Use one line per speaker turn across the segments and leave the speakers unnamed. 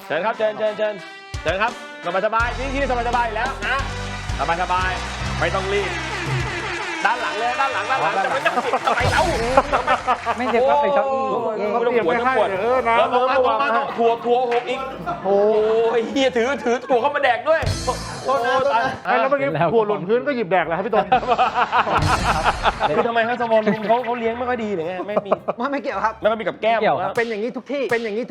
ชิญครับเชิญครับสบายที่สบายแล้วนะสบายไม่ต้องรีบด้านหลังเลยด้านหลังจะไม่ต้องติดทำไมเล่า
ไม่เจ็บครับเป็นเก้าอี้
ไม่ต้องปวดแล้วมาถั่วหกอีกโอ้ยเฮียถือถั่วเข้ามาแดกด้วยโอ้ตาย
แล้วเมื่อกี้ถั่วหล่นพื้นก็หยิบแดกแล้วครับพี่ต้น
คือทำไมครับสมองเขาเลี้ยงไม่ค่อยดีหรือไง
ไม่เกี่ยวครับ
ไม่ค่อยมีกับแก้ม
เป็นอย่างนี้ทุกที่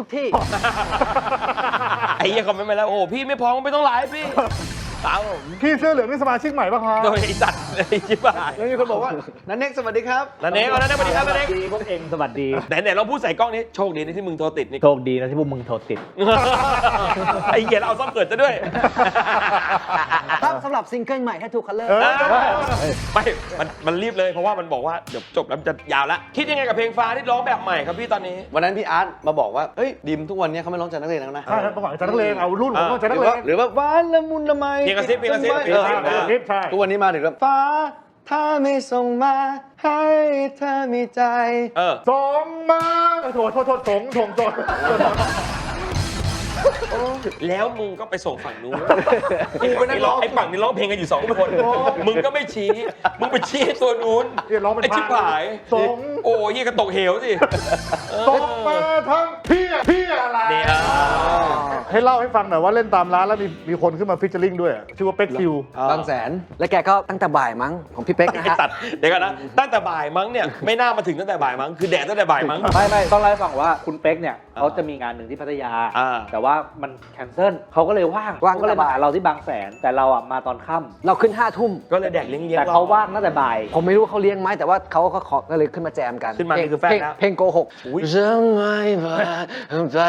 ไอ้เหี้ยคอมเมนต์มาแล้วโอ้พี่ไม่พร้อมไม่ต้องไลฟ์พี่ตามผม
พี่เสื้อเหลืองนี่สมาชิกใหม่ป่ะครับ
โดยไอ้สัตว์ไอ้ชิบหาย
แล้วมีคนบอกว่านันเน็กสวัสดีครับ
นันเน็กสวัสดีครับนันเน็ก
พวกเองสวัสดี
ไหนเราพูดใส่กล้องนี้โชคดีที่มึงโทรติดนี่
โชคดีนะที่พวกมึงโทรติด
ไอ้เหี้ยเอาซ่อมเกิดซะด้วย
ครับสำหรับซิงเกิลใหม่ Tattoo Color
ไม่มันรีบเลยเพราะว่ามันบอกว่าเดี๋ยวจบแล้วมันจะยาวแล้วคิดยังไงกับเพลงฟ้าที่ร้องแบบใหม่ครับพี่ตอนนี้
วันนั้นพี่อาร์ตมาบอกว่าเฮ้ยดิมทุกวันนี้เขาไม่ร้องใจนักเลงแล้วนะ
ใช่ครับประกอบใจนักเลงเอารุ่นผมก็ใจนักเลง
หรือว่าหวานละมุนละไม
เพลงกระซิบ
ใช่
ทุกวันนี้มาถึงแบบฟ้าถ้าไม่ส่งมาให้เธอมีใจ
ส่งมาโทษส่ง
แล้วมึงก็ไปส่งฝั่งนู้นกูไปนั่งร้องไอ้ฝั่งนี้ร้องเพลงกันอยู่2 คนมึงก็ไม่ชี้มึงไปชี้ตัวนู้นไอ้ชิบหาย
ส่ง
โอ้ยกระตกเหวสิ
ส่งมาทั้งพี่อะไรให้เล่าให้ฟังหน่อยว่าเล่นตามร้านแล้วมีคนขึ้นมาฟิชเชอร์ลิงด้วยชื่อว่าเป็กคิว
บางแสน
และแกก็ตั้งแต่บ่ายมั้งของพี่เป๊กนะฮะ
ตัดเดี๋ยวกันนะตั้งแต่บ่ายมั้งเนี่ยไม่น่ามาถึงตั้งแต่บ่ายมั้งคือแดดตั้งแต่บ่ายมั้ง
ไม่ต้องเล่าให้ฟังว่าคุณเป๊กเนี่ยเขาจะมีงานหนึ่งที่พัทยาแต่ว่ามันแคนเซิลเขาก็เลยว่างก็เลยมาหาเราที่บางแสนแต่เราอ่ะมาตอนค่ำ
เราขึ้น5 ทุ่ม
ก็เลยแดกเลี้ยง
แต่เขาว่างตั้งแต่บ่าย
ผมไม่รู้เขาเลี้ยงไหมแต่ว่าเขาก็ขอก็เลยขึ้นมาแจมกัน
ขึ้นมาคือแฟนแล้ว
เพลงโกหก
ยังไม่มาใจ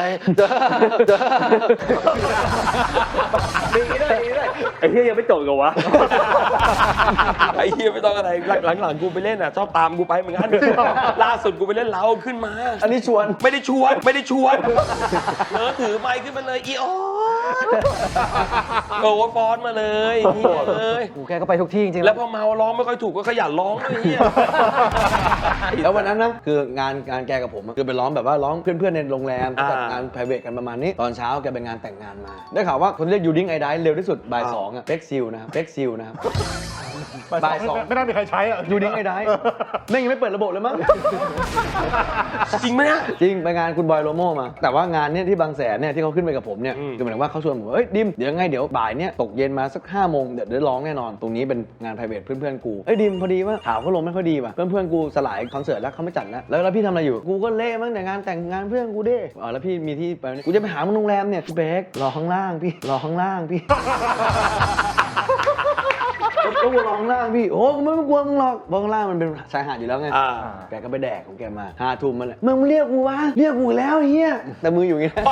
ดีด้วยไอ้เหี้ยยังไม่จบกันวะ
ไอ้เหี้ยไม่ต้องอะไรหลังกูไปเล่นอ่ะชอบตามกูไปเหมือนกันล่าสุดกูไปเล่นเล้าขึ้นมา
อันนี้ชวน
ไม่ได้ชวนถือไมค์ขึ้นมาเลยอีออนโอ้ฟอนมาเลย
กูแกก็ไปทุกที่จริงๆ
แล้วพอเมาร้องไม่ค่อยถูกก็ขยันร้องด้วยเฮีย
แล้ววันนั้นนะคืองานแกกับผมคือไปร้องแบบว่าร้องเพื่อนๆในโรงแรมจัดงาน private กันประมาณนี้ตอนเช้าแกไปงานแต่งงานมาได้ข่าวว่าคนเรียกยูดิ้งไอไดเร็วที่สุดบ่าย 2อ่ะเป็กซิลนะครับบ่าย 2
ไม่น่ามีใครใช้อ่ะ
ยูดิ้งไอไดแม่งยังไม่เปิดระบบเลยมั้ง
จริงไหมเนี่ย
จริงไปงานคุณบอยโลโม่มาแต่ว่างานเนี่ยที่บางแสนเนี่ยที่เขาขึ้นไปกับผมเนี่ยคือหมายถึงว่าเขาชวนผมเฮ้ยดิมเดี๋ยวไงเดี๋ยวบ่ายเนี่ยตกเย็นมาสัก5 โมงเดี๋ยวร้องแน่นอนตรงนี้เป็นงาน private เพื่อนๆกูดิมพอดีว่าข่าวเขาลงไม่ค่อยดีว่ะเพื่อนๆกูสลายคอนเสิร์ตแล้วเขาไม่จัดแล้วพี่ทำอะไรอยู่กูก็เละมั้งแต่งานแต่งงานเพื่อนกูดิแล้วพี่มีที่ไปกูจะไปหามึงโรงแรมเนี่ยพี่เบกรอข้างล่างพี่ก็รอข้างล่างพี่โอ้กูไม่กลัวมึงหรอกข้างล่างมันเป็นชายหาดอยู่แล้วไงแกก็ไปแดกของแกมา5 ทุ่มมาเลยมึงเรียกกูวะเรียกกูแล้วเฮียแต่มืออยู่อย่างงี้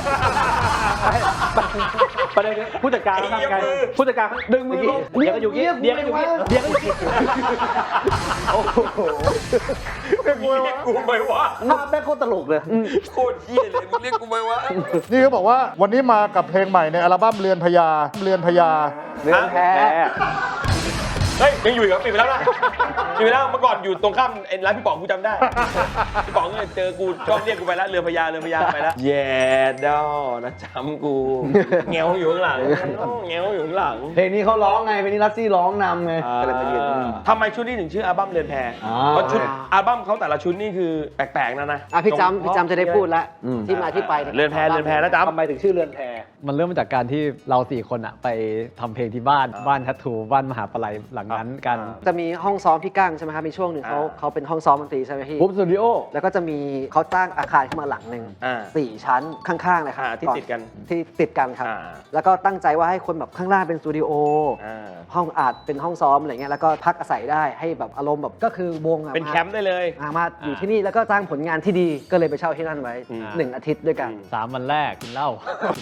ประเด็นผู้จัดการทำไงผู้จัดการดึงมือลงเดี๋ยวก็อยู่เงี้ย
โอ้โหเรียกกูไหมวะ
ภาพแม่งโคตรตลกเลย
โคตรเหี้ยเลยมึงเรียกกูไหมวะ
นี่เขาบอกว่าวันนี้มากับเพลงใหม่ในอัลบั้มเรือนพญา
เรือนแพ้
เฮ้ยยังอยู่อีกเหรอปิดไปแล้วนะปิดไปแล้วเมื่อก่อนอยู่ตรงข้ามร้านพี่ป๋องกูจำได้พี่ป๋องเนี่ยเจอกูชอบเรียกกูไปแล้วเรือพญาไปแล้วแย่ดอนะจำกูเงี้ยวอยู่ข้างหลัง
เพลงนี้เขาร้องไงเพลงนี้รัสซี่ร้องนำไง
ก็เลยมายืนทำไมชุดนี้ถึงชื่ออัลบั้มเรือนแพเพราะชุดอัลบั้มเขาแต่ละชุดนี่คือแปลกๆนะ
พี่จำจะได้พูดแล้วที่มาที่ไป
เรือนแพแล้วจำ
ทำไมถึงชื่อเรือนแพมันเริ่มมาจากการที่เรา4 คนอะไปทำเพลงที่บ้านทัตทูบ้านมหาปลัยหลังนั้นกัน
จะมีห้องซ้อมพี่กั้งใช่ไหมครับมีช่วงหนึ่งเขาเป็นห้องซ้อมดนตรีใช่ไหมพี่
ปุ๊บสตูดิโอ
แล้วก็จะมีเขาตั้งอาคารขึ้นมาหลังหนึ่ง4 ชั้นข้างๆเลยครับ
ที่ติด
กันครับแล้วก็ตั้งใจว่าให้คนแบบข้างล่างเป็นสตูดิโอห้องอัดเป็นห้องซ้อมอะไรเงี้ยแล้วก็พักอาศัยได้ให้แบบอารมณ์แบบก็คือวง
เป็นแคมป์ได้เลย
มาอยู่ที่นี่แล้วก็สร้างผลงานที่ดีก็เลยไปเช่าที่นั่นไว้1 อาทิตย์ด้วยกัน
3 วันแรกกินเหล้า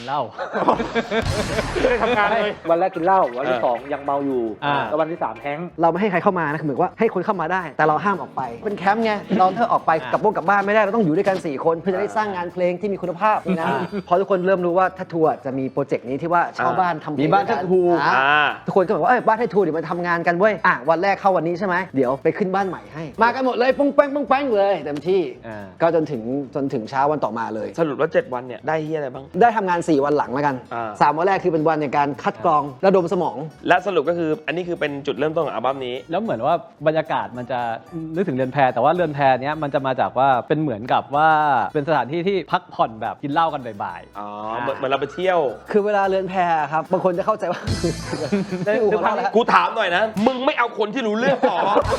ไม่ได้ทำงานเลย
วันแรกกินเหล้าวันที่สองยังเมาอยู่แล้ววันที่สามแฮงก์
เราไม่ให้ใครเข้ามานะคือเหมือนว่าให้คนเข้ามาได้ แต่เราห้ามออกไปเป็นแคมป์ไงเราถ้าออกไปกลับบ้านไม่ได้เราต้องอยู่ด้วยกัน4คนเพื่อจะได้สร้างงานเพลงที่มีคุณภาพนะพอทุกคนเริ่มรู้ว่าทัตทูจะมีโปรเจกต์นี้ที่ว่าเช่าบ้านทำเพลง
มีบ้านทัตทู
ทุกคนก็บอกว่าบ้านทัตทูเดี๋ยวมาทำงานกันเว้ยวันแรกเข้าวันนี้ใช่ไหมเดี๋ยวไปขึ้นบ้านใหม่ให้มากันหมดเลยปุ้งแป้งปุ้งแป้งเลยเต็มที่ก็จนถึงเช้าวันต่อมาเลย
สรุปว่า7 วันเนี่ยได้เฮียอะไรบ้าง
ได้ทำงาน4 วันหลังแล้วกัน3 วันแรกคือเป็นวันในการคัดกรองระดมสมอง
และสรุปก็คืออันนี้คือเป็นจุดเริ่มต้นของอัลบั้มนี้
แล้วเหมือนว่าบรรยากาศมันจะนึกถึงเรือนแพแต่ว่าเรือนแพเนี้ยมันจะมาจากว่าเป็นเหมือนกับว่าเป็นสถานที่ที่พักผ่อนแบบกินเหล้ากันบ่าย
อ๋อเหมือนเราไปเที่ยว
คือเวลาเรือนแพครับบางคนจะเข้าใจว่า ได้อู่ของเราแล้ว
กูถามหน่อยนะ มึงไม่เอาคนที่รู้เรื่องต่อ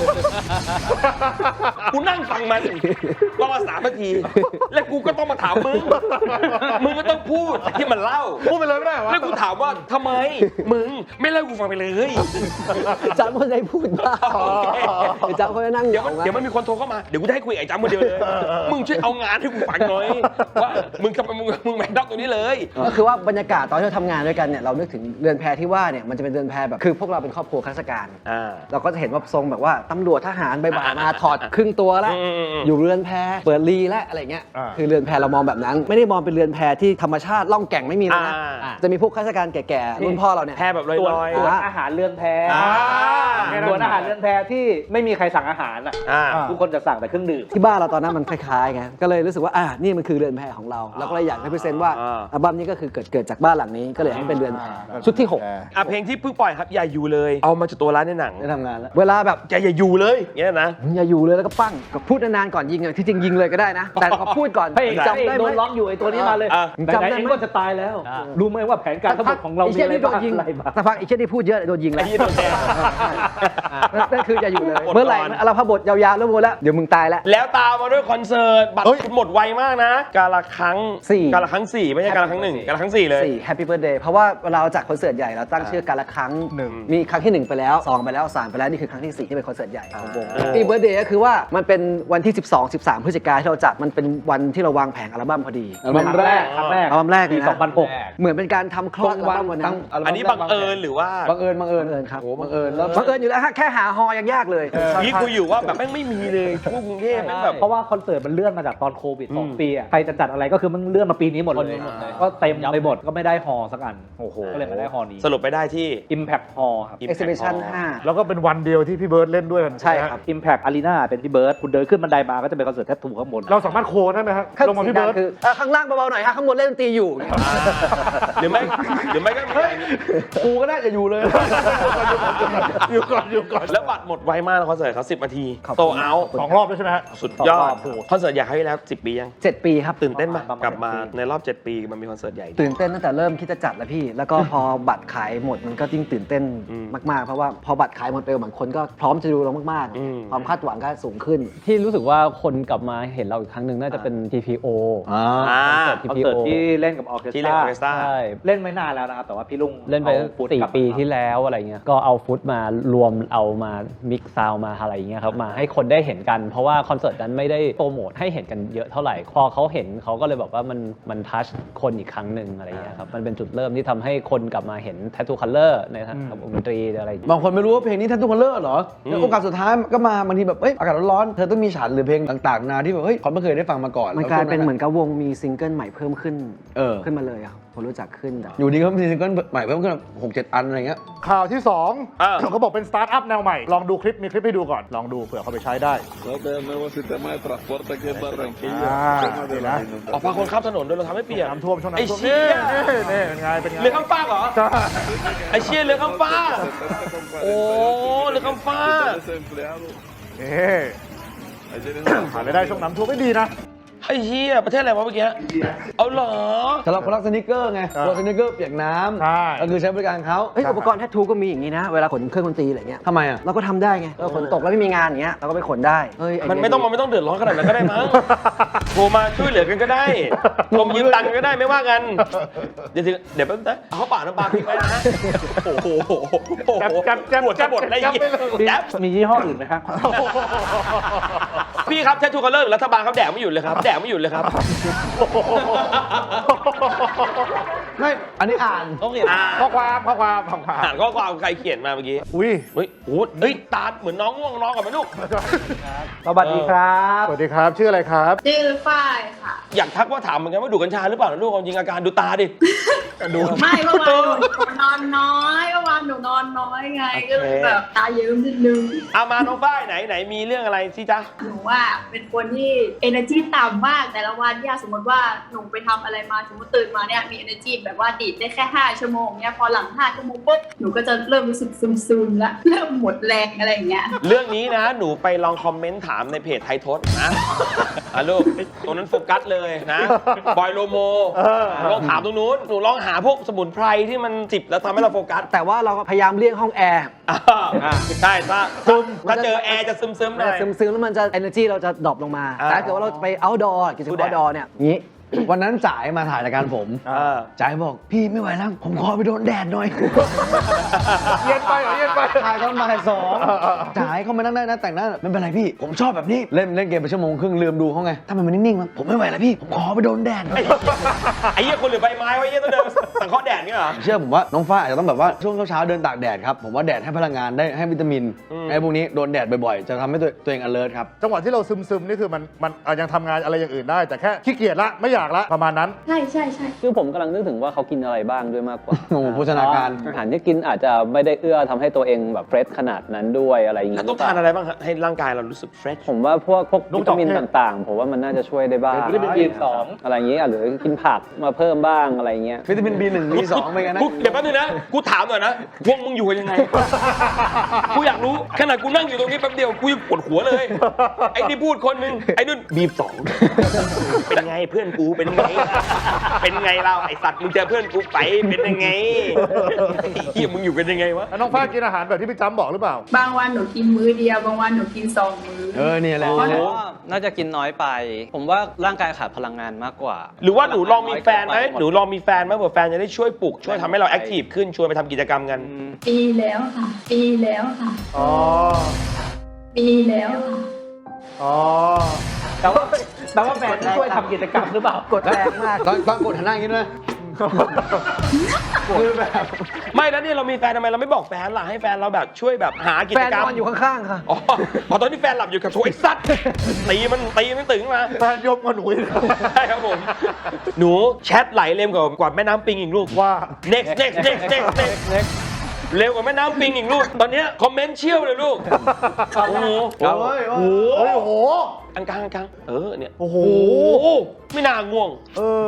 กูนั่งฟังมันประมาณ3 นาที แล้วกูก็ต้องมาถามมึง มึงก็ต้องพูดที่มันเล่า
พูดไปเลยไม่ได้เหรอ
แล้วกูถามว่าทำไม มึงไม่เล่ากูฟังไปเลย
จำคนได้พูดบ้าง
โอเค
จำคนได้นั่ง
เดี๋ยวมันมีคนโทรเข้ามา เดี๋ยวกูจะให้คุยกับไอ้จ้ำคนเดียวเลย มึงช่วยเอางานให้กูฟังหน่อย ว่ามึงทำไมมึงแมนด็อกตัวนี้เลย
ก็คือว่าบรรยากาศตอนที่เราทำงานด้วยกันเนี่ยเรานึกถึงเรือนแพที่ว่าเนี่ยมันจะเป็นเรือนแพแบบคือพวกเราเป็นครอบครัวข้าราชการ เราก็จะเห็นว่าทรงแบบว่าตำรวจทหารบ่ายๆมาถอดครึ่งตัวแล้ว อยู่เรือนแพเปิดรีและอะไรเงี้ย คือเรือนแพเรามองแบบนั้น ไม่ได้มองเป็นเรือนแพที่ธรรมชาติล่องแก่งไม่มีเลยนะจะมีพวกข้าราชการแก่ๆรุ่นพ่อเราเนี่ย
แพ้แบบล
ส่วน
อย
ส่วน
อ่า
อาหารเรือนแพ
ๆ
ส่วนอาหารเรือนแพที่ไม่มีใครสั่งอาหารอ่ะ
ๆ
ทุกคนจะสั่งแต่เครื่องดื่ม
ที่บ้านเราตอนนั้นมันคล้ายๆไงก็เลยรู้สึกว่านี่มันคือเรือนแพของเราเราก็เลยอยากให้พิเศษว่าอัลบั้มนี้ก็คือเกิดจากบ้านหลังนี้ก็เลยให้เป็นเรือนแพชุดที่ 6
เพลงที่เพิ่งปล่อยครับอย่าอยู่เลย เอามาจากตัวร้านในหนัง
ได้ทำงานแล้ว
เวลาแบบ
แกอย่าอยู่เลยเงี้ยนะ
อย่าอยู่เลยแล้วก็ปั้งก็พูดนานๆก่อนยิงอะที่จริงยิงเลยก็ได้นะ แต่ก็พูดก่อน
พระเอก
จำได้
โด
ไหม
นล็อกอยู่ไอ้ตัวนี้มาเลย
จำ
ไหน
ได้
ๆเอง
ไหม
ก็จะตายแล้ว รู้ไหมว่าแผนการทั้งหมดของเรา
ไอ้
มี
เช่น
อะไร
ที่โด
บ้าง
นยิง
อะไรบ้าง
สักพักไอ้เช่นที่พูดเยอะโดนยิงแล้ว
ไอ้ที่โดนแทง
นั่นคืออย่าอยู่เลย
อด
เมื่อไหร่
ก่อน
เราพบทยาวๆแล้วหมดแล้วเดี๋ยวมึงตายแล้ว
แล้วตามมาด้วยคอนเสิร์ตบัตรคุณหมดไวมากนะ กาละครั้ง
4
กาละครั้ง 4 ไม่ใช่กาละครั้ง 1 กาละครั้ง 4 เลย
Happy Birthday เพราะว่าเวลาเราจัดคอนเสิร์ตใหญ่เราตั้งชื่อการละครั้ง มีครั้งที่ 1 ไปแล้ว 2 ไปแล้ว 3 ไปแล้ว นี่คือครั้งที่ 4 ที่เป็นคอนเสิร์ตใหญ่ของวง Happy Birthday ก็คือว่ามันเป็นวันที่ 13 พฤศจิกายนที่เราจัดมันเป็นวันที่เราวางแผงอัลบั้มพอดี
อัลบั้มแรก
ครั้งแรก
อัลบั้มแรกเลย
ปี
นะ
2006
เหมือนเป็นการทำคลอดอัลบั้มวันนั้น
อันนี้บังเอิญหรือว่า
บังเอิญ
บังเอิญครับ
โอ้บังเอิญแล้ว
บังเอิญอยู่แล้วฮะแค่หาฮอยังยากเลย
นี่คุยอยู่ว่าแบบแม่งไม่มีเลยทั่วกรุงเทพแม่งแบบ
เพราะว่าคอนเสิร์ตมันเลื่อนมาจากตอนโควิด2 ปีอะใครจะจัดอะไรก็คือมันเลื่อนมาปีนี้หมดเลย ก็เต็มไปหมดก็ไม่ได้ฮอลล์สักอันก็เลยมาได้ฮอลล์นี้
สรุปไปได้ที่
Impact Hall ครับ
Exhibition
แล้วก็เป็นวันเดียวที่พี่เบิร์ดเล่นด้วยกัน
ใช่ครับ
Impact Arena เป็นพี่เบิร์ดคุณเดินขึ้นบันไดมาก็จะเป็นคอนเสิร์ตแทททูข้างบน
เราสามารถโคได้ไหมครับ
5
ลงมาพี่เบิร์ด
คือข้างล่างเบาๆหน่อยฮะข้างบนเล่นดนตรีอยู่
หรือไม่ก็มีอย่างนี้
กูก็น่าจะอยู่เลย
อยู่ก่อนอยู่ก่อน
แล้วบัตรหมดไวมากนะคอนเสิร์ตเขา10 นาที
ขอบคุณ
โตเอา
2 รอบด้วยใช่ไหมฮะ
สุดยอดคอนเสิร์ตอยากให้แล้ว10 ปียัง
7 ปีครับ
ตื่นเต้นปะ
ประมาณ
กลับมา
7 ปี
ในรอบ 7 ปีมันมีคอนเสิร์ตใหญ่
ตื่นเต้นตั้งแต่เริ่มคิดจะจัดแล้วพี่ แล้วก็พอบัตรขายหมดมันก็ยิ่งตื่นเต้นมากๆ เพราะว่าพอบัตรขายหมดเร็วเหมือนคนก็พร้อมจะดูเรามากๆ ความคาดหวังก็สูงขึ้น
ที่รู้สึกว่าคนกลับมาเห็นเราอีกครั้งหนึ่งน่าจะเป็น TPO
คอนเสิร์ตที่เล่นกับออร์เคส
ที่
ต
เล่นออร์เคสตรา
ใช่เล่นไม่นานแล้วนะครับ แต่ว่าพี่ลุง
เล่นไป
อาฟุตกลับมา
4 ปีที่แล้วอะไรเงี้ยก็เอาฟุตมารวมเอามามิกซ์ซาวมาอะไรอย่างเงี้ยครับมาให้คนได้เห็นกัน เพราะว่าคอนเสิร์ตนั้นไม่ได้โปรโมทให้เห็นกันเยอะเท่าไหร่พอเขาเห็นเขาก็เลยบอกว่ามันทัชคนอีกครั้งหนึ่งอะไรเงี้ยครับมันเป็นจุดเริ่มที่ทำให้คนกลับมาเห็น Tattoo Color ในทางดนตรีอะไรอย่างเงี้ย
บางคนไม่รู้ว่าเพลงนี้ท่านทุกคนเลิศเหรอแล้วโอกาสสุดท้ายก็มาบางทีแบบอากาศร้อนๆเธอต้องมีฉันหรือเพลงต่างๆนาที่แบบเขาไม่เคยได้ฟังมาก่อน
มันกลายเป็นเหมือนกับวงมีซิงเกิลใหม่เพิ่มขึ้น ขึ้นมาเลยอะผมรู้จักขึ้น
อยู่ดีก็มีซิงเกิลใหม่เพิ่มขึ้น6-7 อันอะไรเงี้ย
ข่าวที่2เขาบอกเป็นสตาร์ทอัพแนวใหม่ ลองดูคลิปมีคลิปให้ดูก่อน ลองดูเผื่อเขาไปใช้ได้
Todo el nuevo sistema de transporte aquí en Barranquilla.
Ah,
tema de la
mira.
ออกมาคนข้ามถนนโดยเราทำให้เปียก
น้ำท่วมช่วง
ไอ้
น้ำท่วม
เชี่
นี่
ย
เป็นไงเป็นไง
เรือข้ามฟากเหรอ
ใช่
ไอ้เชี่ยเรือข้ามฟาก
Oh,
le campa.
desempleado.
นี่
Ahí tienes
หารายได้ช่วงน้ำท่วมไม่ดีนะ
ไอ้เชี่ยประเทศอะไรวะเมื่อกี้เอาเหรอ
สำหรับคนรักสนิเกอร์ไงรถสนิเกอร์เปียกน้
ใช่
ำก็คือใช้บริการเขา
เฮ้ยอุปกรณ์แทททูก็มีอย่างนี้นะ เวลาขนเครื่องดนตรีอะไรเงี้ย
ทำไมอ่ะ
เราก็ทำได้ไงฝนตกแล้วไม่มีงานอย่างเงี้ยเราก็ไปขนได้เฮ้ย
มันไม่ต้องเดือดร้อนขนาดนั้นก็ได้มั้งโทรมาช่วยเหลือกันก็ได้โทรมายืมตังค์กันก็ได้ไม่ว่ากันเดี๋ยวแป๊บนะเอาเข้าป่าน้ำปลาพริกไว้นะโอ้โหปวดจะหมดอะไรเงี้ย
มียี่ห้ออื่นไหมครับ
พี่ครับแททูคัลเลอร์รัฐบาลเขาแดกไม่หยุดเลยครับแดกไม่หยุดเลยครับ
ไม่ อันนี้อ่าน
ข้อความ
อ่านข้อความใครเขียนมาเมื่อกี้
อุ้ย
เฮ้ยโอ้เฮ้ยตาเหมือนน้องง่วงนอนกับไหมลูก
สวัสดีครับ
สวัสดีครับ ชื่ออะไรครับ
ชื่อฝ้ายค่ะ
อยากทักว่าถามเหมือนกันว่าดูดกัญชาหรือเปล่านะลูกความจริงอาการดูตาดิ
ดู
ไม่เมื่อวานหนูนอนน้อยเมื่อวานหนูนอนน้อยไง
โอเค
ก็เลยแบบตาเยิ้มนิดนึง
เอามาน้องฝ้ายไหนมีเรื่องอะไรสิจ๊ะ
หนูว่าเป็นคนที่ energy ต่ำมากแต่ละวันเนี่ยสมมติว่าหนูไปทำอะไรมาสมมติตื่นมาเนี่ยมี energy แบบว่าดีดได้แค่5ชั่วโมงเนี่ยพอหลัง5ชั่วโมงปุ๊บหนูก็จะเริ่มรู้สึกซึมๆแล้วเริ่มหมดแรงอะไรอย่างเงี้ย
เรื่องนี้นะหนูไปลองคอมเมนต์ถามในเพจไทยทศนะลูกตรงนั้นโฟกัสเลยนะบอยโลโมลองถามตรงนู้นหนูลองหาพวกสมุนไพรที่มันจิบแล้วทำให้เราโฟกัส
แต่ว่าเราก็พยายามเลี่ยงห้องแอร์
ใช่ถ้าเจอแอร์จะซึมๆหน่อย
ซึมๆแล้วมันจะ energy เราจะดรอปลงมา แต่ถ้าเกิดว่าเราไป outdoor กิจกรรม outdoor เนี่ยนี้
วันนั้นจ่ายมาถ่ายรายการผมจ่ายบอกพี่ไม่ไหวแล้ว ผมขอไปโดนแดดหน่อย
เย็นไปเหรอเย็นไป
ถ่ายตอนบ่าย2จ่ายเขามานั่งได้นะแต่งหน้าไม่เป็นไรพี่ ผมชอบแบบนี้ เล่นเกมไปชั่วโมงครึ่งลืมดูเขาไงทำไมมันนิ่งๆวะผมไม่ไหวแล้วพี่ ผมขอไปโดนแดดหน่อย
ไอ้เหี้ยคนหรือใบไม้วะไอ้เหี้ยต้องเดินสังเคราะห์แดดเนี่ยเหรอ
เชื่อผมว่าน้องฟ้าอาจจะต้องแบบว่าช่วงเช้าๆเดินตากแดดครับผมว่าแดดให้พลังงานได้ให้วิตามินไอ้พวกนี้โดนแดดบ่อยๆ จะทำให้ตัวเอง alert ครับ
จังหวะที่เราซึมๆนี่คือมันยังทำงานอะไรอย่างอื่นได้ แต่แค่ขี้เกียจละไม่อยากละประมาณนั้น
ใช่ใช่ใช่
คือผมกำลังนึกถึงว่าเขากินอะไรบ้างด้วยมากกว่า
โอ้โหโภชนาการ
อาหารที่กินอาจจะไม่ได้เอื้อทำให้ตัวเองแบบเฟรชขนาดนั้นด้วยอะไรอย่าง
แล้
งี้
วต้องทานอะไรบ้างฮะให้ร่างกายเรารู้สึกเฟรช
ผมว่าพวก
ลูก
วิตามิน
ดอกเทศ
ต่างๆ ผมว่ามันน่าจะช่วยได้บ้าง
วิตามิน B12
อะไรอย่างงี้หรือกินผักมาเพิ่มบ้างอะไรอย่างเงี้ย
วิตามิน B1 B2 ไปกันนะ
เดี๋ยวแป๊บนึงนะกูถามหน่อยนะพวกมึงอยู่กันยังไง กูอยากรู้ขนาดกูนั่งอยู่ตรงนี้แป๊บเดียวกูยังปวดหัวเลย ไอ้นี่พูดคนนึงไอ้นู่นบีบสองเป็นไงเพื่อนกูเป็นไงเป็นไงเราไอ้สัตว์มึงเจอเพื่อนกูไปเป็นยังไงเฮียมึงอยู่กันยังไงวะ
แล้วน้องฟ้ากินอาหารแบบที่พี่จ้ำบอกหรือเปล่า
บางวันหนูกินมื้อเดียวบางวันหนูกิน2 มื้อ
เนี่ยแหละ
น่าจะกินน้อยไป ผมว่าร่างกายขาดพลังงานมากกว่า
หรือว่าหนูลองมีแฟนไหมหนูลองมีแฟนไหมเผื่อแฟนจะได้ช่วยปลุกช่วยทำให้เราแอคทีฟขึ้นชวนไปทำกิจกรรมกัน
ปีแล้วค่ะ ปีแล้วค่ะ
อ๋อ
ปีแล้วค่ะ
อ๋อ
แต่ว่าแฟนช่วยทำกิจกรรมหรือเปล่า
กดแรงมาก
ตอนกดหันหน้าอย่างนี้ด้วยคือแบบ
ไม่แล้วเนี่ยเรามีแฟนทำไมเราไม่บอกแฟนล่ะให้แฟนเราแบบช่วยแบบหากิ
แฟ
จ
น
กรรม
นอนอยู่ข้างๆค่ะ
อ๋อตอนที่แฟนหลับอยู่กับโถไอ้สัตว์ตีมันตึงมา
แฟนยมกับหนูอีก
ใช่ครับผม หนูแชทไหลเร็วกว่าแม่น้ำปิงอีกลูก
ว่า
next เร็วกว่าแม่น้ำปิงอีกลูก ตอนเนี้ยคอมเมนต์เชี่ยวเลยลูก โอ้โห
โอ้ย
โอ้โห
เฮ้ยโอ้โห
อังกลางเนี่ย
โอ้โห
ไม่น่าง่วง
เออ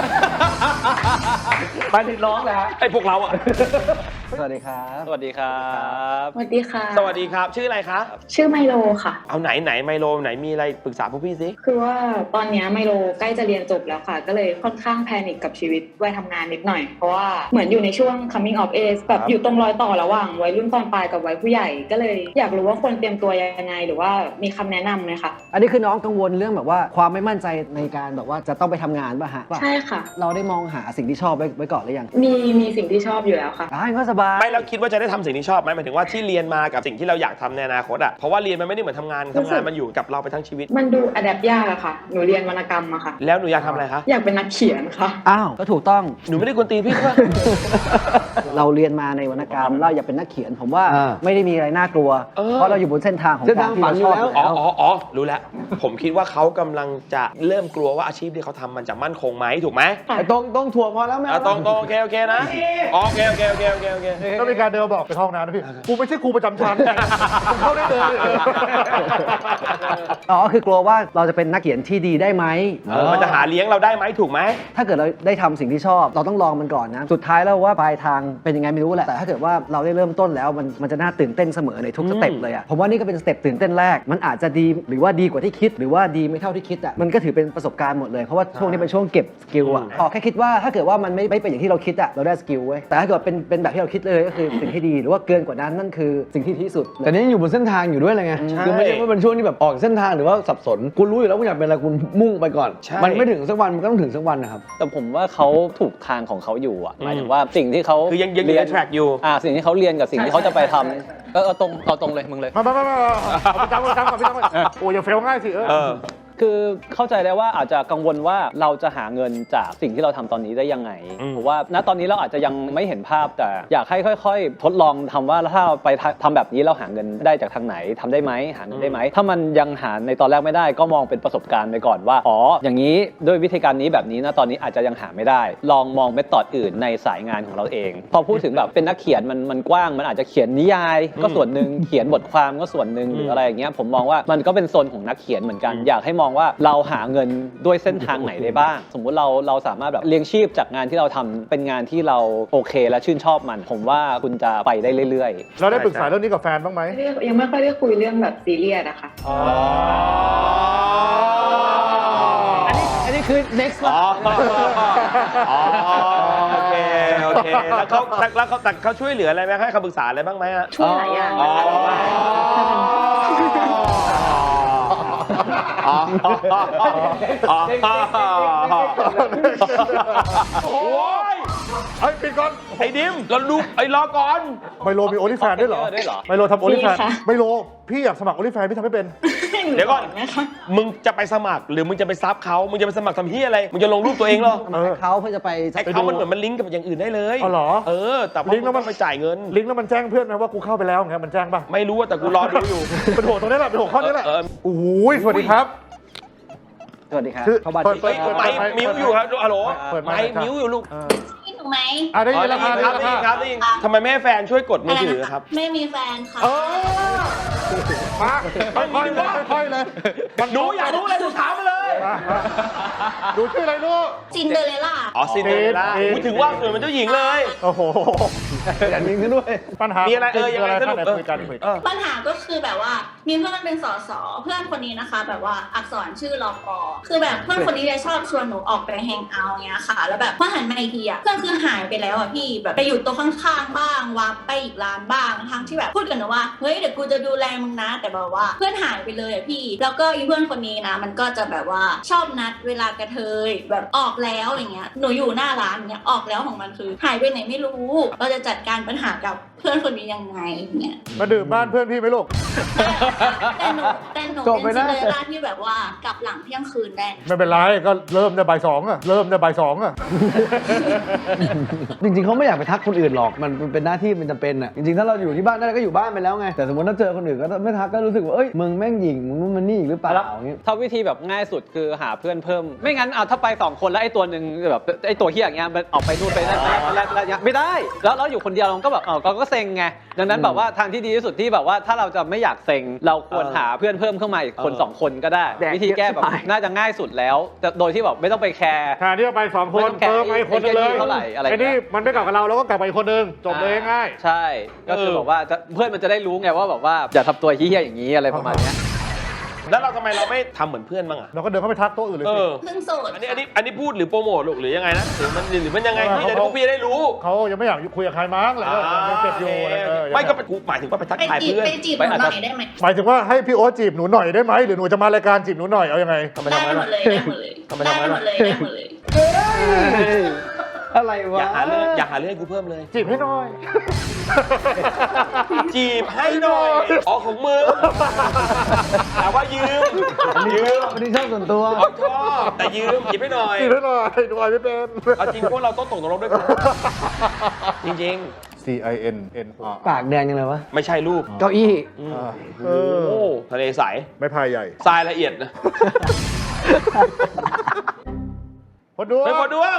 ไปถึงร้องเลยฮะ
ไอ้พวกเราอะ
สวัสดีครับ
สวัสดีครับ
สวัสดีค่ะ
สวัสดีครับ ชื่ออะไรคะ
ชื่อไมโลค่ะ
เอาไหนไมโลไหนมีอะไรปรึกษาพวกพี่สิ
คือว่าตอนเนี้ยไมโลใกล้จะเรียนจบแล้วค่ะ ก็เลยค่อนข้างแพนิคกับชีวิตวัยทำงานนิดหน่อย เพราะว่าเหมือนอยู่ในช่วง coming of age แบบอยู่ตรงรอยต่อระหว่างวัยรุ่นตอนปลายกับวัยผู้ใหญ่ ก็เลยอยากรู้ว่าควรเตรียมตัวยังไงหรือว่ามีคำแนะนำไหมคะ
อันนี้คือน้องกังวลเรื่องแบบว่าความไม่มั่นใจในการแบบว่าจะต้องไปทำงานป่ะฮะ
ใช่ค่ะ
เราได้มองหาสิ่งที่ชอบไว้ก่อนหรือยัง
มีสิ่งที่ชอบอยู่แล้วค่ะ
ก็สบาย
ไม่แล้วคิดว่าจะได้ทำสิ่งที่ชอบไหมหมายถึงว่าที่เรียนมากับสิ่งที่เราอยากทำในอนาคตอะเพราะว่าเรียนมันไม่ได้เหมือนทำงานมันอยู่กับเราไปทั้งชีวิต
มันดูอัดแอปยากอะค่ะ หนูเรียนวรรณกรรมอะค่ะ
แล้วหนูอยากทำอะไรคะ
อยากเป็นนักเขียนค่ะ
อ้าว ก็ถูกต้อง
หนูไม่ได้กวนตีนพี่ใช่ปะ
เราเรียนมาในวรรณกรรม เราอยากเป็นนักเขียน ผมว่า
อ่า
ไม่ได้มีอะไรน่ากลัว เพราะเราอยู่บนเส้นทางของ
เส้น
กา
ทาร ง
ที่เราชอบ
ฝันอยู่แล้ว
อ๋อ รู้แล้ว ผมคิดว่าเขากำลังจะเริ่มกลัวว่าอาชีพที่เขาทำมันจะมั่นคงไหมถูกไหม
ค่ะ
ไอ้ต้องถั่วพอแล้วไม่
อ่ะ
เอา
ตรงโอเคนะโอเค
ก็มีการเดินมาบอกไปเข้าห้องน้ำนะพี่ กูไม่ใช่ครูประจำชั้นกูเข้าได้เลย
อ๋อ คือกลัวว่าเราจะเป็นนักเขียนที่ดีได้ไหม
มันจะหาเลี้ยงเราได้ไหมถูกไหม
ถ้าเกิดเราได้ทำสิ่งที่ชอบ เราต้องลองมันก่อนนะ สุดท้ายแล้วว่าปลายทางเป็นยังไงไม่รู้แหละ แต่ถ้าเกิดว่าเราได้เริ่มต้นแล้วมันจะน่าตื่นเต้นเสมอในทุกสเต็ปเลยอะผมว่านี่ก็เป็นสเต็ปตื่นเต้นแรก มันอาจจะดีหรือว่าดีกว่าที่คิด หรือว่าดีไม่เท่าที่คิดอะมันก็ถือเป็นประสบการณ์หมดเลย เพราะว่าช่วงนี้เป็นช่วงเก็บสกิลอะแค่คิดว่าถ้าเกิดว่ามันไม่เป็นอย่างที่เราคิดอะเราได้สกิลเว้ย แต่ถ้าเกิดเป็นแบบที่เราคิดเลยก็คือสิ่งที่ดีหรือว่าเกินกว่านั้นนั่นคือสิ่งที่ดีที่สุด
แต่นี่ยังอยู่บนเส้นทางอยู่ด้วยเลยไง คือไม่ใช่ว่าเป็นช่วงที่แบบออกเส้นทางหรือว่าสับสน คุณรู้อยู่แล้วคุณอยากเป็นอะไรคุณมุ่งไปก่อน
ใช่
มันไม่ถึงสักวันมันก็ต้องถึงสักวันนะครับ
แต่ผมว่าเขาถูกทางของเขาอยู่อ่ะหมายถึงว่าสิ่งที่เขา
คือยังอยู่ใน track อยู่
สิ่งที่เขาเรียนกับสิ่งที่เขาจะไปทำเอาตรงเลยมึงเลย
มาเอาประจำก่อนโอ้ยอย่าเฟลง่ายสิ
คือเข้าใจได้ว่าอาจจะกังวลว่าเราจะหาเงินจากสิ่งที่เราทำตอนนี้ได้ยังไงเพราะว่าณตอนนี้เราอาจจะยังไม่เห็นภาพแต่อยากให้ค่อยๆทดลองทำว่าถ้าเราไปทำแบบนี้เราหาเงินได้จากทางไหนทำได้ไหมหาเงินได้ไหมถ้ามันยังหาในตอนแรกไม่ได้ก็มองเป็นประสบการณ์ไปก่อนว่าอ๋ออย่างนี้ด้วยวิธีการนี้แบบนี้นะตอนนี้อาจจะยังหาไม่ได้ลองมองเมธอดอื่นในสายงานของเราเองพอพูดถึงแบบเป็นนักเขียนมันกว้างมันอาจจะเขียนนิยายก็ส่วนหนึ่งเขียนบทความก็ส่วนหนึ่งหรืออะไรอย่างเงี้ยผมมองว่ามันก็เป็นโซนของนักเขียนเหมือนกันอยากให้มองว่าเราหาเงินด้วยเส้นทางไหนได้บ้างสมมุติเราสามารถแบบเลี้ยงชีพจากงานที่เราทำเป็นงานที่เราโอเคและชื่นชอบมันผมว่าคุณจะไปได้เรื่อยๆ
เราได้ปรึกษาเรื่องนี้กับแฟนบ้างไหม
ยังไม่ค่อยได้คุยเรื่องแบบซีเรียสอะค่ะ
อันนี้คือ next
อ๋อโอเคแล้วเขาช่วยเหลืออะไรไหมให้คำปรึกษาอะไรบ้างไหมฮะ
ช่วยหลายอย่าง
โอ้ย
ไอ้ปิดก่อน
ไอ้ดิมเราดูไอ้รอก่อน
ไมโลมีโอลิแฟนด้วยเหรอไมโลทำโอลิแฟนไมโลพี่อยากสมัครโอลิแฟนพี่ทำไม่เป็น
เดี๋ยวก่อนมึงจะไปสมัครหรือมึงจะไปซับเขามึงจะไปสมัครทำเฮียอะไรมึงจะลงรูปตัวเองเหรอ
เขาเพื่อจะไป
ไอ้เขามันเหมือนมันลิงก์กับอย่างอื่นได้เลย
อ๋อเหรอ
แต่ลิงก์แล้วมันไปจ่ายเงิน
ลิงก์แล้วมันแจ้งเพื่อนนะว่ากูเข้าไปแล้วไงมันแจ้งป่ะ
ไม่รู้แต่กูรอดูอยู่
เป็นหัวตรงนี้แหละเป็นหัวข้อนี้แหละโอ้ยสวัสดีครับ
สวัสดีครับ
เปิดมิวอยู่ครับฮัลโหลไมค์มิวอยู่ลูก
นี่ถูกไหม
ได้ยินแล้ว
ครับได้ยินทำไมแม่แฟนช่วยกดมือถือครับ
ไม่มีแฟนค่ะ
มาค่อยเลย
หนูอยากรู้อะไรหนูถามมาเลย
ดูชื่ออะไรลูก
ซินเดอเรลล่า
ซินเดอเรลล่าถึงว่าเหมือนเจ้าหญิงเลย
โอ้โห
อย่างนี้ด้วย
ปัญหา
มีอะไรยังไงสนุก
ปัญหาก็คือแบบว่ามีเพื่อนเป็นสสเพื่อนคนนี้นะคะแบบว่าอักษรชื่อลกคือแบบเพื่อนคนนี้ชอบชวนหนูออกไปแฮงเอาท์เงี้ยค่ะแล้วแบบพอหันมาอีกทีอ่ะเพื่อนคือหายไปแล้วอ่ะพี่แบบไปอยู่ตัวข้างๆบ้างวับไปอีกร้านบ้างทั้งที่แบบพูดกันนะว่าเฮ้ยเดี๋ยวกูจะดูแลมึงนะแต่แบบว่าเพื่อนหายไปเลยอ่ะพี่แล้วก็อีเพื่อนคนนี้นะมันก็จะแบบว่าชอบนัดเวลากระเทยแบบออกแล้วอย่างเงี้ยหนูอยู่หน้าร้านเงี้ยออกแล้วของมันคือหายไปไหนไม่รู้เราจะจัดการปัญหากับเพื่อนคนนี้ยังไงเนี่ย
มาดื่มบ้านเพื่อนพี่ไหมลูก
แต่หนูเป็นซินเดอเรลล่าที่แบบว่ากลับหลังเที่ยงคืนได้
ไม่เป็นไรก็เริ่มในบ่ายสอง
จริงๆเขาไม่อยากไปทักคนอื่นหรอกมันเป็นหน้าที่มันจำเป็นอ่ะจริงๆถ้าเราอยู่ที่บ้านได้ก็อยู่บ้านไปแล้วไงแต่สมมติถ้าเจอคนอื่นก็ไม่ทักก็รู้สึกว่าเอ้ยมึงแม่งหยิ่งมึงนู่นมันนี่อีกหรือเปล่า
ถ้าวิธีแบบง่ายสุดคือหาเพื่อนเพิ่มไม่งั้นเอาถ้าไป2คนแล้วไอ้ตัวนึงแบบไอ้ตัวเหี้ยอย่างเงี้ยมันออกไปนู่นไปนั่นไม่ได้แล้วอยู่คนเดียวเราก็แบบก็เซ็งไงดังนั้นแบบว่าทางที่ดีที่สุดที่แบบว่าถ้าเราจะไม่อยากเซ็งเราควรหาเพื่อนเพิ่มเข้ามาอีกคน2คนก็ได้วิธีแก้แบบน่าจะง่ายสุดแล้วแต่โดยที่แบบไม่ต้องไปแคร์
แทนที่จะไป2คนเพิ่มไปคนนึงเลยไอ้นี่มันไม่กลับกับเราก็กลับไปอีกคนนึงจบเลยง่าย
ใช่ก็คือบอกว่าเพื่อนมันจะได้รู้ไงว่าแบบว่าอย่าทำตัวเหี้ยอย่างนี้อะไรประมาณนี้
แล้วเราทำไมเราไม่ทำเหมือนเพื่อนบ้างอ่ะ
เราก็เดินเข้าไปทักโต๊ะอื่นเลยสิ
เพิ่งโสด
อันนี้พูดหรือโปรโมทหรือยังไงนะหรือมันยังไงพี่จะพวกพี่ได้รู้
เขายังไม่อยากคุยกับใครมั้งเลยยังเจ็บอยู่
ไม่ก็กูหมายถึงว่าไปทักทายเพื่อน
ไปจีบหนูหน่อยได้ไหม
หมายถึงว่าให้พี่โอ๊ตจีบหนูหน่อยได้ไหมหรือหนูจะมารายการจีบหนูหน่อยเอายังไง
ได้หมดเลย
อะไรวะ
อยากหาเรื่องกูเพิ่มเลย
จีบให้หน่อย
จีบให้หน่อยของมึงแต่ว่ายืม
อันนี้ชอบส่วนตัว
ชอบแต่ยืมจีบให้หน่อย
หน่อยไม่เป็น
เอาจริงพวกเราต้องตกนรกด้วยกันจริง
CIN
ปากแดงยังไงวะ
ไม่ใช่รูป
เก้าอี้
ทะเลใส
ไม่พายใหญ่
ทรายละเอียดนะ
พอดวง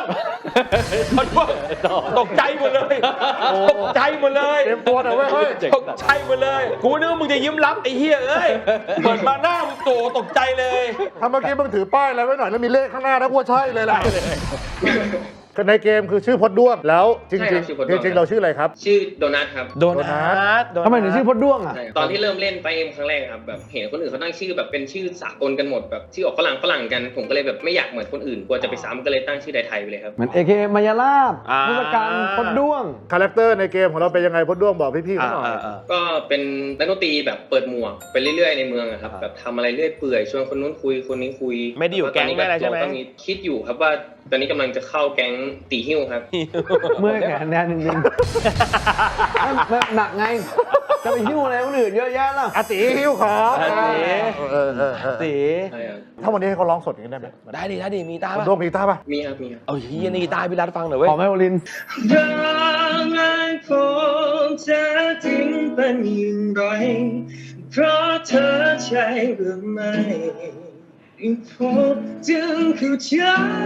ตกใจหมดเลย
เต็มตัวแต่เว้ย
ตกใจหมดเลยกูนึกว่ามึงจะยิ้มรับไอ้เหี้ยเอ้ยเปิดมาหน้ามึงตกใจเลย
ถ้าเมื่อกี้มึงถือป้ายอะไรไว้หน่อยแล้วมีเลขข้างหน้านะกูว่าใช่เลยแหละในเกมคือชื่อพดด้วงแล้วจริงเราชื่ออะไรครับ
ชื่อโดนัทครับ
โดนัท
ทำไมถึงชื่อพดด้วงอ่ะ
ตอนที่เริ่มเล่นไปเอ็มครั้งแรกครับแบบเห็นคนอื่นเขาตั้งชื่อแบบเป็นชื่อสากลกันหมดแบบชื่อออกฝรั่งกันผมก็เลยแบบไม่อยากเหมือนคนอื่นกลัวจะไปซ้ำก็เลยตั้งชื่อไทยไปเลยครับ
เหมือน AK มายาลาบพุทธการพดด้วง
คาแรคเตอร์ในเกมของเราเป็นยังไงพดด้วงบอกพี่ๆเขาหน่อย
ก็เป็นนักดนตรีแบบเปิดหมวกไปเรื่อยๆในเมืองครับแบบทำอะไรเรื่อยเปื่อยชวนคนนู้นคุยคนนี้คุย
ไม่ได้อยู่แก๊งไม่อะไรใช่ไหม
คิดอยู่ครับว่าตอนนี้กำลังจะเข้าแก๊งตีหิ้วครับ
เมื่อแขนแน่นนิดนึงหนักไงจะไปหิ้วอะไรคนอื่นเยอะแยะล่ะ
อาตีหิ้วของ
อาตี ตี
ถ้าวันนี้ให้เขาร้องสดอย่างนี้ได้ไหม
ได้ดิได้ดิมีตา
คุณ
ป่ะ
โดมมีกีตาร์ป่ะ
มีครับมีครับ
เอาเฮียนี่กีตาร์พี่รัฐฟังหน่อยเว้ย
ขอไมโอลิน
รักไอ้ผมจะทิ้งเป็นอย่างไรเพราะเธอใช่หรือไม่ผมจึงเข้าใจ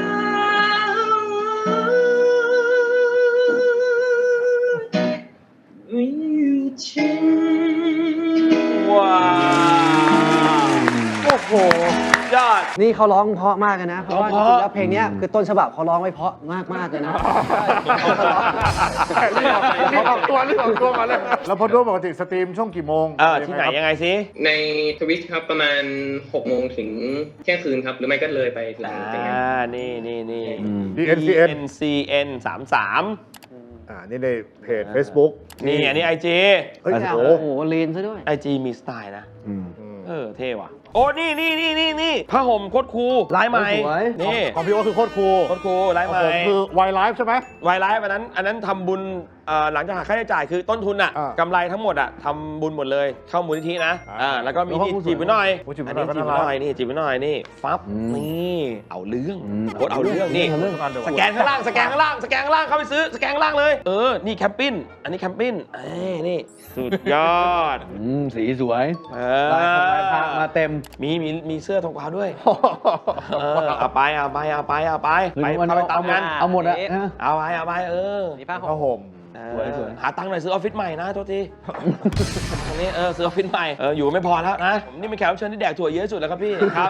ไม่อยู่จริง
ว้าวโอ้โหยอด
นี่เขาร้องเพราะมากเลยนะ เพราะว่าจ
ร้องเพ
ริ
ราะ
งๆแล้วเพลงเนี้ยคือต้นฉบับเขาร้องไว้เพราะมากๆเลยนะ
รีบออกตัวมาเลย แล้วพอโดมปกติสตรีมช่วงกี่โมง
ที่ไหนยังไงสิ
ในทวิตครับประมาณ6 โมงถึงเที่ยงคืนครับ หรือไม่ก็เลยไปถึงอย่างนั้น
นี่
DNCN
DNCN 33
นี่ในเพจ Facebook
นี่อันนี้ IG
เฮ้ย
โอ้โหลีนซะด้วย
IG มีสไตล์นะ เท่ว่ะ โอ้ นี่ผ้าห่มโคตรคูลลายใหม่
สวย
นี่
ของพี่โอ๊ตคือโคตรคูล
โคตรคูลลาย
ข
ให
อง
ม่
ผมคือไวไลฟ์ใช่ไหม
วายไลฟ์อันนั้นทำบุญหลังจากหักค่าใช้จ่ายคือต้นทุนอ่ะ
อ่าก
ำไรทั้งหมดอ่ะทำบุญหมดเลยเข้ามูลนิธินะ
แล้ว
ก็มี
แล้วก็
นี่
ผู้
จีบไปหน่อย
ผู้จีบไป
อัน
หน่
นี้
อย
จีบไป
ก็น่ารัก
หน่อยนี่จีบไปหน่อยนี่ฟับนี่เอาเรื่องโคตรเอาเรื่องนี่ สแกนข้างล่างเข้าไปซื้อสแกนข้างล่างเลยนี่แคมปิ้นอันนี้แคมปิ้นนี่สุดยอด
สีสวย
ลา
ลายพระมาเต็ม
มีเสื้อทองขาวด้วยเอาไปไปพาไปตามงาน
เอาหมดอะ
เอาไป
มีผ้าห่
ผ้าม ห่ม
สวยหาตังค์หน่อยซื้อออฟฟิศใหม่นะโทษทีอันนี้ซื้อออฟฟิศใหม่อยู่ไม่พอแล้วนะผมนี่เป็นแขกรับเชิญที่แดกถั่วเยอะที่สุดแล้วครับพี่ครับ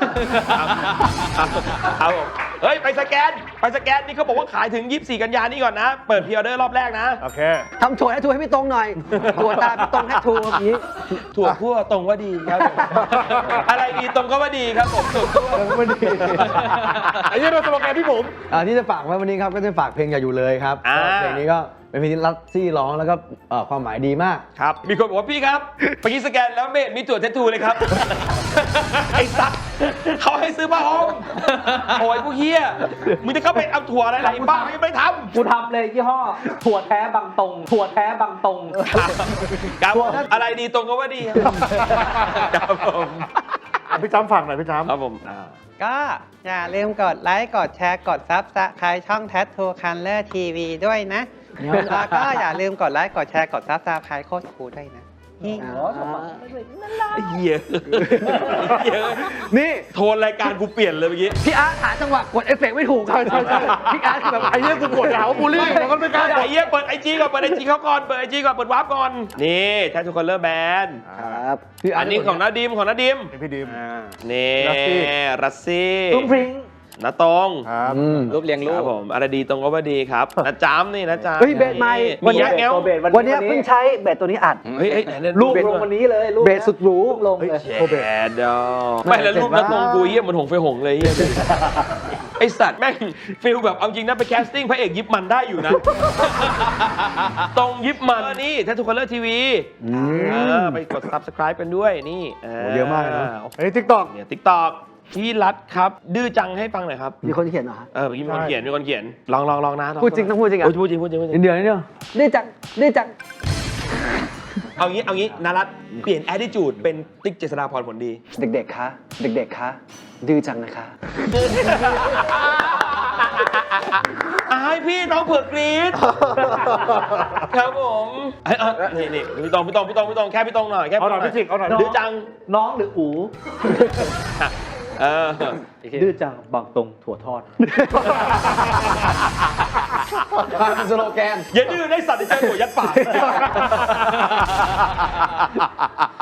ครับผมเฮ้ยไปสแกนนี่เขาบอกว่าขายถึง24 กันยายนนี้ก่อนนะเปิดพรีออเดอร์รอบแรกนะ
โอเค
ทำถั่วให้ถั่วให้พี่ตรงหน่อยถั่วตาพี่ตรงให้ถั่วอย่างนี้
ถั่วคั่วตรงว่าดีครับผมอะไรดีตรงก็ว่าดีครับผมถั่วคั่ว
ไม่ดีไอ้ยี่เราสโลแกนพี่ผม
ที่จะฝากไว้วันนี้ครับก็จะฝากเพลงอย่าอยู่เลยครับเพลงนี้ก็เป็นเพลงที่รัตซี่ร้องแล้วก็ความหมายดีมาก
ครับมีคนบอกว่าพี่ครับเมื่อกี้สแกนแล้วไม่เห็นมีถั่วเททูเลยครับ ไอ้สัตว์เขาให้ซื้อผ้าห่มโอ้ยพวกเฮียมึงจะเข้าไปเอาถั่วอะไรบ้าไม่ไปทำ
กูทำเลยยี่ห้อถั่วแท้บางตรง
ครับอะไรดีตรงก็ว่าดีครับผม
พี่จ้ำฝั่งหน่อยพี่จ้ำ
ครับผม
ก็อย่าลืมกดไลค์กดแชร์กดซับสไครต์ช่อง Tattoo Color TV ด้วยนะ แล้วก็อย่าลืมกดไลค์กดแชร์กดซับสไครต์โคตรคูลด้วยนะ
เหี้ยนี่โทนรายการกูเปลี่ยนเลยเมื่อกี้
พี่อาร์ตหาจังหวะกดเอฟเฟกต์ไม่ถูกใช่พี่อาร์ตคือแบบ
ไอ้ยี่กูกดหาว่าบูลลี่มันก็ไม่กล้า
ไอ้เหี้ยเปิดไอจีก่อนเปิดไอจีเขาก่อนเปิดไอจีก่อนเปิดวาร์ปก่อนนี่แททูคอลเลอร์แบน
ครับ
อันนี้ของน้าดิม
พี่ดิม
นี่รัสซี่
ตุ้งพริ้ง
น้าตรง
ครับ
รูปเรียงรู
ค
ป
รับผมอะไรดีตรงก็ว่าดีครับน้าจ้ำนี่น้าจ้ำ
เฮ้ยเบสใหม่
มีแยกแง้ว
วันนี้เพิ่งใช้เบสตัวนี้อัด
เฮ้ยไหน
รูปลงวันนี้เลยรูป
เบสสุดหรู
ลงเลย
แดดอไม่แล้วรูปน้าตรงกูเยี่ยเหมือนหงไฟหงเลยเยี่ยไอสัตว์แม่งฟิลแบบเอาจริงนะไปแคสติ้งพระเอกยิบมันได้อยู่นะ ตรงยิบมันนี่แททูคอลเลอร์ทีวีไปกด subscribe กันด้วยนี่
เยอะมากเลยนะ
ไอ้ทิกตอก
เนี่ย TikTok พี่รัฐครับ ดื้อจังให้ฟังหน่อยครับ
มีคนเขียนเหรอ
เมื่อกี้มีคนเขียนลองนะ
พูดจริงต้องพูดจริงอ่ะ
พูดจริง
นิดเดียว
ดื้อจัง
เอางี้นารัฐเปลี่ยน attitude เป็นติ๊กเจษฎาพรผลดี
เด็กๆคะดื้อจังนะคะ
ให้พี่น้องเผือกกรี๊ดครับผมนี่พี่ตองแค่พี่ตองหน่อยแค่
เอาหน่อยพี่จิกเอาหน่อย
ดื้อจัง
น้องหรืออู ดื้อจังบางตรงถั่วทอด
สโลแกน
อย่าดื้อได้สัตว์ที่เจอหัวยัดปาก